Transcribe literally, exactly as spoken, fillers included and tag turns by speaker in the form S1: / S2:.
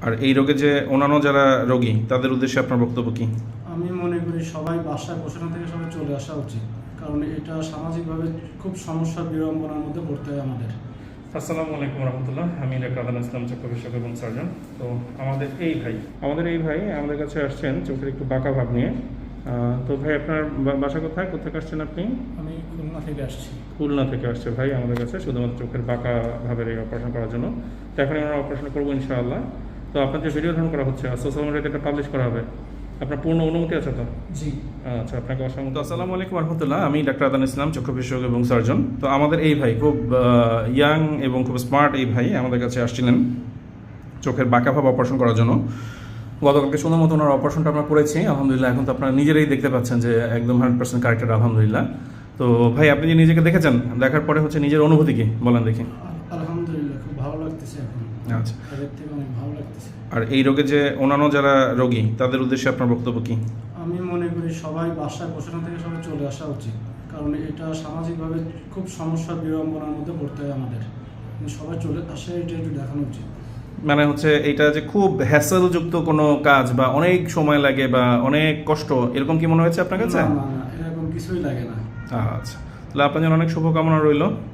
S1: আর এই রোগে যে অন্যান্য যারা রোগী তাদের উদ্দেশ্যে আপনার বক্তব্য কি?
S2: আমি মনে করি সবাই বাসায় বসানো থেকে সবাই চলে আসা উচিত, কারণ এটা সামাজিকভাবে খুব সমস্যা বিড়ম্বনার মধ্যে পড়তে হয় আমাদের।
S3: আসসালামু আলাইকুম রহমতুল্লাহ। আমি ডাক্তার আদান ইসলাম, চক্ষু বিশেষজ্ঞ এবং সার্জন। তো আমাদের এই ভাই আমাদের এই ভাই আমাদের কাছে আসছেন চোখের একটু বাঁকা ভাব নিয়ে। আহ, তো ভাই আপনার বা- বাসা কোথায় কোথায় আসছেন আপনি?
S2: আমি খুলনা থেকে আসছি।
S3: খুলনা থেকে আসছে ভাই আমাদের কাছে শুধুমাত্র চোখের বাঁকা ভাবের এই অপারেশন করার জন্য। তো এখন আমরা অপারেশন করবো ইনশাআল্লাহ। তো আপনার যে ভিডিও ধারণ করা হচ্ছে সোশ্যাল মিডিয়াতে এটা পাবলিশ করা হবে, আপনার পূর্ণ অনুমতি আছে তো?
S2: জি।
S3: আচ্ছা, আপনাকে অসংখ্য
S1: তো আসসালামু আলাইকুম রহমতুল্লাহ। আমি ডাক্তার আদান ইসলাম, চক্ষু বিশেষজ্ঞ এবং সার্জন। তো আমাদের এই ভাই খুব ইয়াং এবং খুব স্মার্ট এই ভাই আমাদের কাছে আসছিলেন চোখের বাঁকা ভাব অপারেশন করার জন্য। গতকালকে সুন্দর মতো ওনার অপারেশনটা আমরা করেছি আলহামদুলিল্লাহ। এখন তো আপনারা নিজেরাই দেখতে পাচ্ছেন যে একদম হান্ড্রেড পার্সেন্ট কারেক্টেড আলহামদুলিল্লাহ। তো ভাই আপনি যে নিজেকে দেখেছেন, দেখার পরে হচ্ছে নিজের অনুভূতি কি বলেন দেখি?
S2: আলহামদুলিল্লাহ খুব ভালো লাগতেছে এখন।
S1: আচ্ছা,
S2: আগের থেকে অনেক ভালো লাগতেছে।
S1: আর এই রোগে যে অন্যান্য যারা রোগী তাদের উদ্দেশ্যে আপনার বক্তব্য কি?
S2: আমি মনে করি সবাই বাসায় বসানো থেকে সবাই চলে আসা উচিত, কারণ এটা সামাজিকভাবে খুব সমস্যা বিড়ম্বনার মধ্যে পড়তে হয় আমাদের। সবাই চলে আসে, এটা একটু দেখানো উচিত।
S1: মানে হচ্ছে এইটা যে খুব হ্যাসেলযুক্ত কোনো কাজ বা অনেক সময় লাগে বা অনেক কষ্ট, এরকম কি মনে হয়েছে আপনার কাছে?
S2: না না না, এরকম কিছুই লাগে না।
S1: আচ্ছা, তাহলে আপনার জন্য অনেক শুভকামনা রইল।